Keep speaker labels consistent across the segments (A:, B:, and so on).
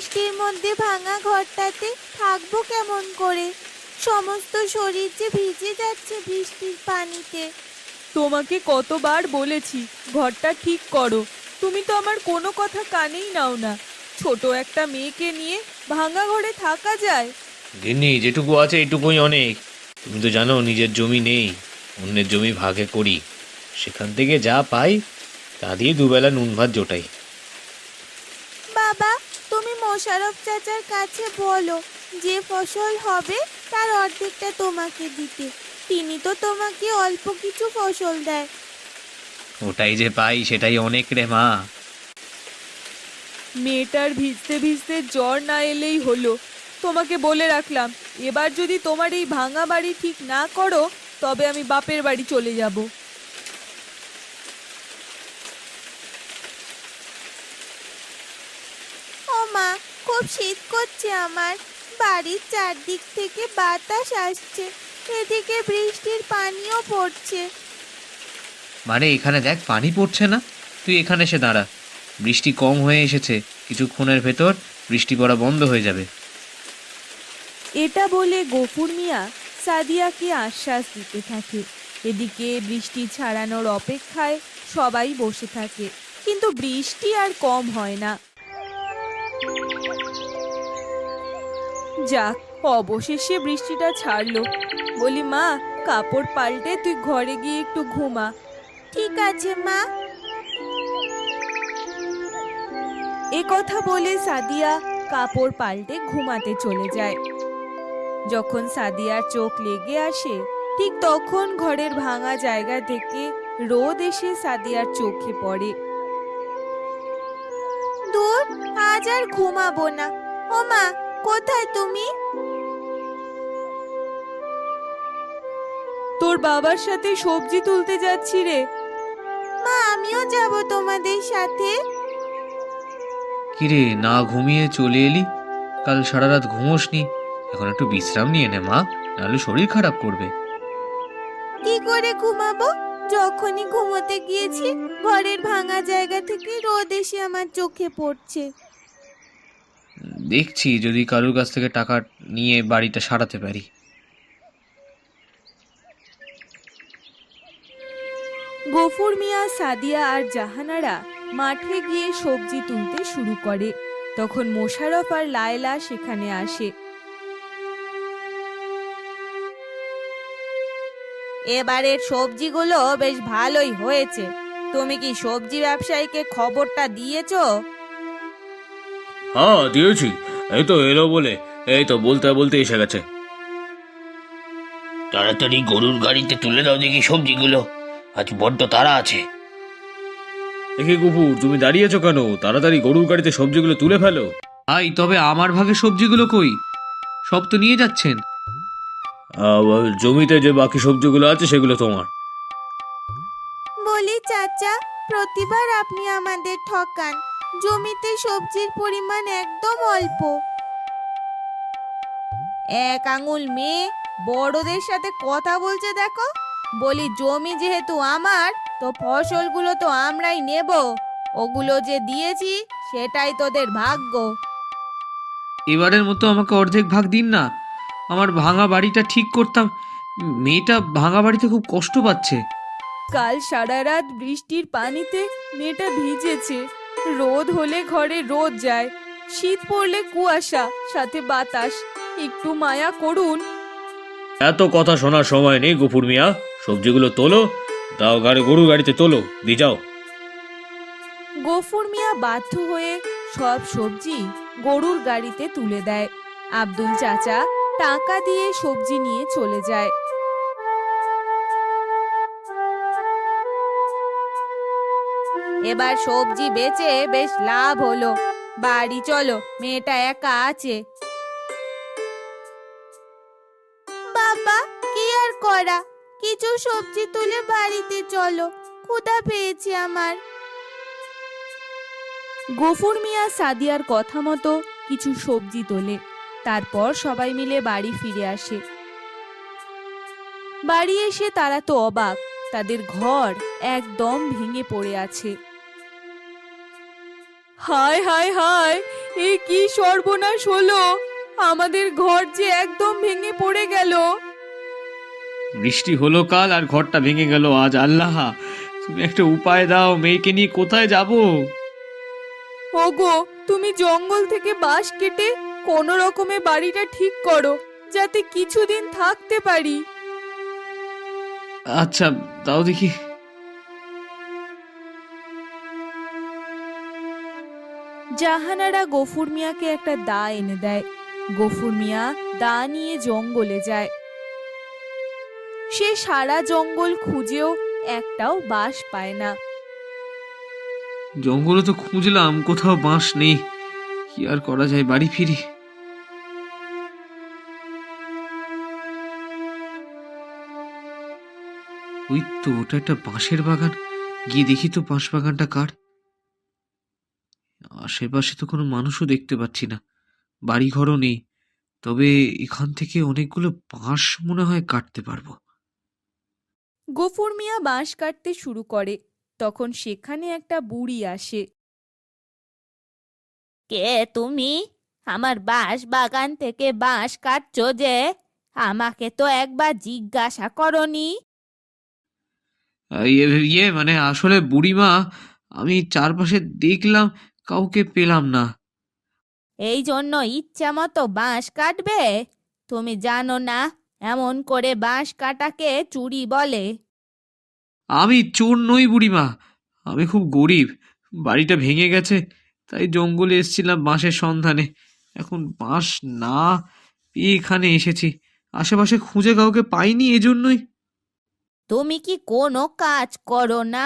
A: বৃষ্টির মধ্যে ভাঙা ঘরটাতে থাকবো কেমন করে? সমস্ত শরীর যে ভিজে যাচ্ছে বৃষ্টির পানিতে।
B: তোমাকে কতবার বলেছি ঘরটা ঠিক করো, তুমি তো আমার কোনো কথা কানেই নাও না। ছোট একটা মেয়েকে নিয়ে ভাঙা ঘরে থাকা যায়?
C: গিন্নি, যেটুকু আছে এটুকুই অনেক। তুমি তো জানো নিজের জমি নেই, অন্যের জমি ভাগে করি, সেখান থেকে যা পাই তা দিয়ে দুবেলা নুন ভাত জোটাই।
A: বাবা, তুমি মোশারফ চাচার কাছে বলো যে ফসল হবে তার অর্ধেকটা তোমাকে দিতে। তিনি তো তোমাকে অল্প কিছু ফসল দেয়।
C: ওটাই যে পাই সেটাই অনেক রে মা।
B: মেয়েটার ভিজতে ভিজতে জ্বর না এলেই হলো। তোমাকে বলে রাখলাম, এবার যদি তোমার এই ভাঙা বাড়ি ঠিক না করো তবে আমি বাপের বাড়ি চলে যাব।
A: ও মা, খুব শীত করছে আমার। বাড়ির চারদিক থেকে বাতাস আসছে, এদিকে বৃষ্টির পানিও পড়ছে।
C: মানে এখানে দেখ পানি পড়ছে না, তুই এখানে এসে দাঁড়া। বৃষ্টি কম হয়ে এসেছে, কিছুক্ষণের ভেতর বৃষ্টি পড়া বন্ধ হয়ে যাবে।
B: এটা বলে গফুর মিয়া সাদিয়াকে আশ্বাস দিতে থাকে। এদিকে বৃষ্টি ছাড়ানোর অপেক্ষায় সবাই বসে থাকে, কিন্তু বৃষ্টি আর কম হয় না। যাক, অবশেষে বৃষ্টিটা ছাড়লো। বলি মা, কাপড় পাল্টে তুই ঘরে গিয়ে একটু ঘুমা।
A: ঠিক আছে মা।
B: এ কথা বলে সাদিয়া কাপড় পাল্টে ঘুমাতে চলে যায়। যখন সাদিয়ার চোখ লেগে আসে ঠিক তখন ঘরের ভাঙা জায়গা থেকে রোদ এসে সাদিয়ার চোখে পড়ে।
A: দূর, আজ আর ঘুমাবো না। ও মা, কোথায় তুমি?
B: তোর বাবার সাথে সবজি তুলতে যাচ্ছি রে।
A: মা, আমিও যাব তোমাদের সাথে।
C: কিরে, না ঘুমিয়ে চলে এলি? কাল সারা রাত ঘুমোসনি, এখন একটু বিশ্রাম নিয়ে নে মা, নাহলে শরীর খারাপ করবে।
A: কি করে ঘুমাবো? যখনই ঘুমোতে গিয়েছি ঘরের ভাঙা জায়গা থেকে রোদ এসে আমার চোখে পড়ছে।
C: দেখছি যদি কারোর কাছ থেকে টাকা নিয়ে বাড়িটা সারাতে পারি।
B: গফুর মিয়া, সাদিয়া আর জাহানারা মাঠে গিয়ে সবজি তুলতে শুরু করে। তখন মোশাররফ আর লায়লা সেখানে আসে।
A: এবারের সবজিগুলো বেশ ভালোই হয়েছে। তুমি কি সবজি ব্যবসায়ীকে খবরটা দিয়েছো?
C: হ্যাঁ দিয়েছি, এই তো এলো বলে, এই তো বলতে বলতে এসে গেছে। তাড়াতাড়ি গরুর গাড়িতে তুলে দাও দেখি সবজিগুলো, আজ বড্ড তাড়া আছে। দেখি কুকুর, তুমি দাঁড়িয়েছো কেন? তাড়াতাড়ি গরুর গাড়িতে সবজিগুলো তুলে ফেলো। আই, তবে আমার ভাগে সবজিগুলো কই? সব তো নিয়ে যাচ্ছেন। জমিতে যে বাকি সবজিগুলো আছে সেগুলো তোমার।
A: বলি চাচা, প্রতিবার আপনি আমাদের ঠকান। জমিতে সবজির পরিমাণ একদম অল্প। এক আঙুল মেয়ে বড়দের সাথে কথা বলছে দেখো। বলি জমি যেহেতু আমার, তো ফসলগুলো তো আমরাই নেব। ওগুলো যে দিয়েছি সেটাই তোদের ভাগ্য।
C: এবারের মতো আমাকে অর্ধেক ভাগ দিন না, আমার ভাঙা বাড়িটা ঠিক করতাম। মেয়েটা ভাঙা বাড়িতে খুব কষ্ট পাচ্ছে।
B: কাল সারা রাত বৃষ্টির পানিতে মেয়েটা ভিজেছে। রোদ হলে ঘরে রোদ যায়, শীত পড়লে কুয়াশা, সাথে বাতাস। একটু মায়া করুন।
C: এত কথা শোনার সময় নেই গফুর মিয়া, সবজিগুলো তোলো, দাও গরুর গাড়িতে তোলো, দিয়ে যাও।
B: গফুর মিয়া বাধ্য হয়ে সব সবজি গরুর গাড়িতে তুলে দেয়। আব্দুল চাচা টাকা দিয়ে সবজি নিয়ে চলে যায়।
A: এবার সবজি বেচে বেশ লাভ হলো। বাড়ি চলো, মেয়েটা একা আছে। বাবা, কি আর করা, কিছু সবজি তুলে বাড়িতে চলো, ক্ষুধা পেয়েছে আমার।
B: গফুর মিয়া সাদিয়ার কথা মতো কিছু সবজি তোলে। তারপর সবাই মিলে বাড়ি ফিরে আসে। বাড়ি এসে তারা তো অবাক, তাদের ঘর একদম ভেঙে পড়ে আছে। হায় হায় হায়, এ কি সর্বনাশ হলো! আমাদের ঘর যে একদম ভেঙে পড়ে গেল।
C: বৃষ্টি হলো কাল আর ঘরটা ভেঙে গেল আজ। আল্লাহ, তুমি একটা উপায় দাও, মেয়েকে নিয়ে কোথায় যাব?
B: ওগো, তুমি জঙ্গল থেকে বাঁশ কেটে কোনো রকমে বাড়িটা ঠিক করো, যাতে কিছুদিন থাকতে পারি।
C: আচ্ছা, দাও দেখি।
B: জাহানারা গফুর মিয়াকে একটা দা এনে দেয়। গফুর মিয়া দা নিয়ে জঙ্গলে যায়। সে সারা জঙ্গল খুঁজেও একটাও বাঁশ পায় না।
C: জঙ্গলে তো খুঁজলাম, কোথাও বাঁশ নেই। কি আর করা যায়, বাড়ি ফিরি। ওই তো, ওটা একটা বাঁশের বাগান। গিয়ে দেখি তো বাঁশ বাগানটা কার। আশেপাশে তো কোনো মানুষও দেখতে পাচ্ছি না, বাড়ি ঘরও নেই। তবে এখান থেকে অনেকগুলো বাঁশ মনে হয় কাটতে পারবো।
B: গফুর মিয়া বাঁশ কাটতে শুরু করে, তখন সেখানে একটা বুড়ি আসে।
A: কে তুমি? আমার বাঁশ বাগান থেকে বাঁশ কাটছো যে? আমাকে তো একবার জিজ্ঞাসা করনি।
C: মানে আসলে বুড়িমা, আমি চারপাশে দেখলাম, কাউকে পেলাম না।
A: এই জন্য ইচ্ছা মতো বাঁশ কাটবে? তুমি জানো না এমন করে বাঁশ কাটাকে চুরি বলে?
C: আমি চোর নই বুড়িমা, আমি খুব গরিব। বাড়িটা ভেঙে গেছে, তাই জঙ্গলে এসেছিলাম বাঁশের সন্ধানে। এখন বাঁশ না পেয়ে এখানে এসেছি। আশেপাশে খুঁজে কাউকে পাইনি, এজন্যই।
A: তুমি কি কোনো কাজ করো না?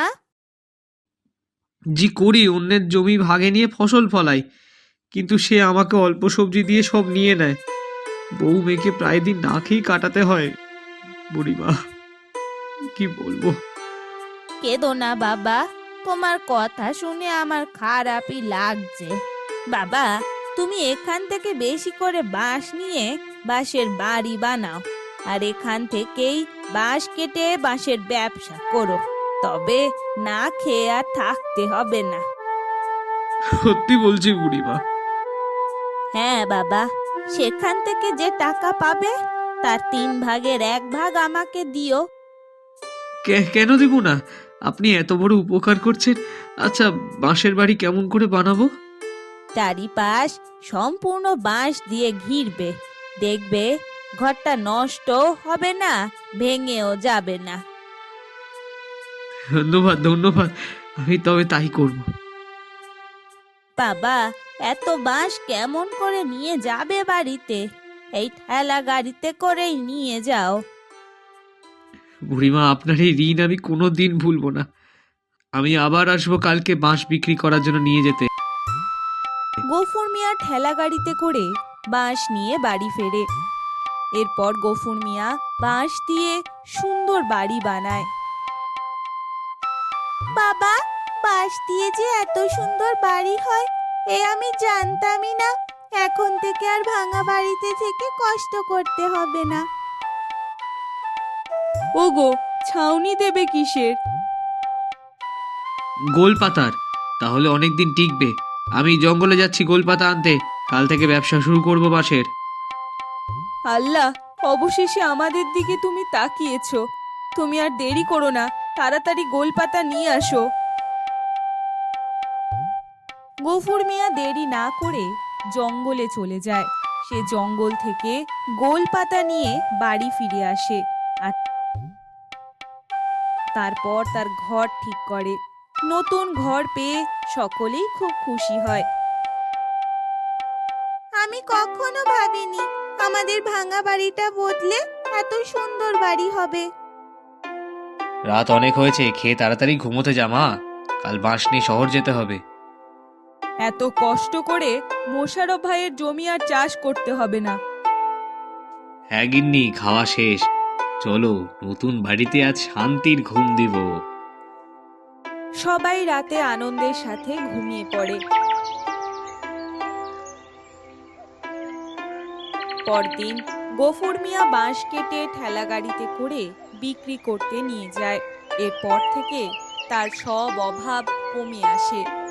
C: জি করি, অন্যের জমি ভাগে নিয়ে ফসল ফলাই, কিন্তু সে আমাকে অল্প সবজি দিয়ে সব নিয়ে নেয়। বউ মেয়েকে প্রায় দিন না খেয়েই কাটাতে হয় বুড়িমা, কি বলবো।
A: কেঁদো না বাবা, তোমার কথা শুনে আমার খারাপই লাগছে। বাবা, তুমি এখান থেকে বেশি করে বাঁশ নিয়ে বাঁশের বাড়ি বানাও, আর এখান থেকেই বাঁশ কেটে বাঁশের ব্যবসা করো। তবে না খেয়ে আর থাকতে হবে না।
C: সত্যি বলছি বুড়িমা।
A: হ্যাঁ বাবা, সেখান থেকে যে টাকা পাবে তার 3/1 আমাকে দিও।
C: কেন দিব না? আপনি এত বড় উপকার করছেন। আচ্ছা, বাঁশের বাড়ি কেমন করে বানাবো?
A: চারিপাশ সম্পূর্ণ বাঁশ দিয়ে ঘিরবে, দেখবে ঘরটা নষ্ট হবে না, ভেঙেও যাবে না।
C: ধন্যবাদ ধন্যবাদ, আমি তবে তাই করব।
A: বাবা, এত বাঁশ কেমন করে নিয়ে যাবে বাড়িতে? এই ঠেলা গাড়িতে করেই নিয়ে যাও।
C: বুড়িমা, আপনার এই ঋণ আমি কোনোদিন ভুলবো না। আমি আবার আসবো কালকে বাঁশ বিক্রি করার জন্য নিয়ে যেতে।
B: গফুর মিয়া ঠেলা গাড়িতে করে বাঁশ নিয়ে বাড়ি ফেরে। এরপর গফুর মিয়া বাঁশ দিয়ে সুন্দর বাড়ি বানায়।
A: বাবা, বাঁশ দিয়ে যে এত সুন্দর বাড়ি হয় এ আমি জানতামই না। এখন থেকে আর ভাঙা বাড়িতে থেকে কষ্ট করতে হবে না।
B: ওগো, ছাউনি দেবে কিসের?
C: গোল পাতার, তাহলে অনেকদিন টিকবে। আমি জঙ্গলে যাচ্ছি গোল পাতা আনতে, কাল থেকে ব্যবসা শুরু করবো বাঁশের।
B: আল্লাহ, অবশেষে আমাদের দিকে তুমি তাকিয়েছো। তুমি আর দেরি করো না, তাড়াতাড়ি গোলপাতা নিয়ে আসো। গফুর মিয়া দেরি না করে জঙ্গলে চলে যায়। সে জঙ্গল থেকে গোলপাতা নিয়ে বাড়ি ফিরে আসে আর তারপর তার ঘর ঠিক করে। নতুন ঘর পেয়ে সকলেই খুব খুশি হয়।
A: আমি কখনো ভাবিনি আমাদের ভাঙা বাড়িটা বদলে এত সুন্দর বাড়ি হবে।
C: রাত অনেক হয়েছে, খেয়ে তাড়াতাড়ি ঘুমোতে যা মা, কাল বাঁশ নিয়ে শহর যেতে হবে।
B: এত কষ্ট করে মোশারফ ভাইয়ের জমি আর চাষ করতে হবে না।
C: হ্যাঁ গিন্নি, খাওয়া শেষ। চলো, নতুন বাড়িতে আজ শান্তির ঘুম দিব।
B: সবাই রাতে আনন্দের সাথে ঘুমিয়ে পড়ে। পরদিন গফুর মিয়া বাঁশ কেটে ঠেলা গাড়িতে করে বিক্রি করতে নিয়ে যায়। এরপর থেকে তার সব অভাব কমে আসে।